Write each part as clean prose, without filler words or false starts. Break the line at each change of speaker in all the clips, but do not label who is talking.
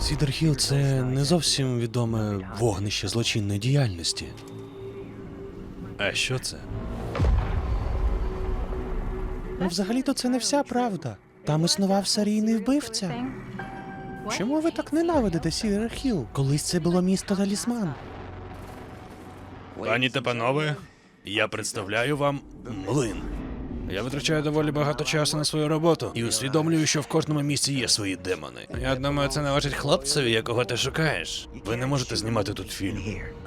Сідер Хілл – це не зовсім відоме вогнище злочинної діяльності. А що це? Ну, взагалі-то це не вся правда. Там існував серійний вбивця. Чому ви так ненавидите Сідер Хілл? Колись це було місто Талісман. Пані та панове, я представляю вам млин. Я витрачаю доволі багато часу на свою роботу і усвідомлюю, що в кожному місці є свої демони. Я думаю, це належить хлопцеві, якого ти шукаєш. Ви не можете знімати тут фільм.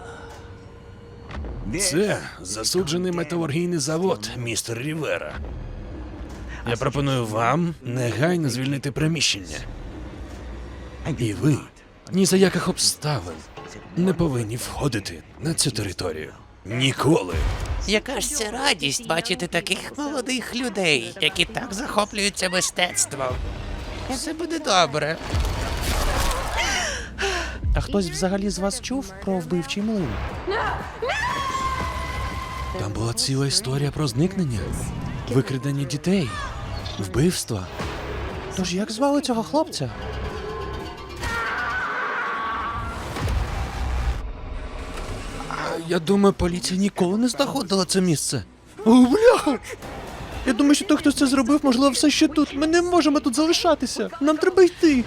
Це засуджений металургійний завод, містер Рівера. Я пропоную вам негайно звільнити приміщення. І ви ні за яких обставин не повинні входити на цю територію. Ніколи.
Яка ж це радість бачити таких молодих людей, які так захоплюються мистецтвом. Все буде добре.
А хтось взагалі з вас чув про вбивчий млин? Там була ціла історія про зникнення, викрадення дітей, вбивства. Тож як звали цього хлопця? Я думаю, поліція ніколи не знаходила це місце. О, бляха! Я думаю, що той, хто це зробив, можливо, все ще тут. Ми не можемо тут залишатися. Нам треба йти.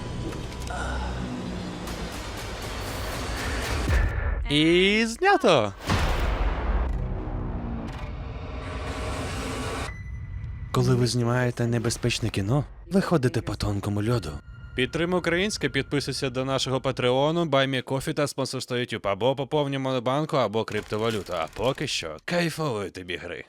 І знято. Коли ви знімаєте небезпечне кіно, ви ходите по тонкому льоду. Підтримай українське, підписуйся до нашого патреону, BuyMeCoffee та спонсорство YouTube, або поповнюй монобанку, або криптовалюту. А поки що, кайфової тобі гри.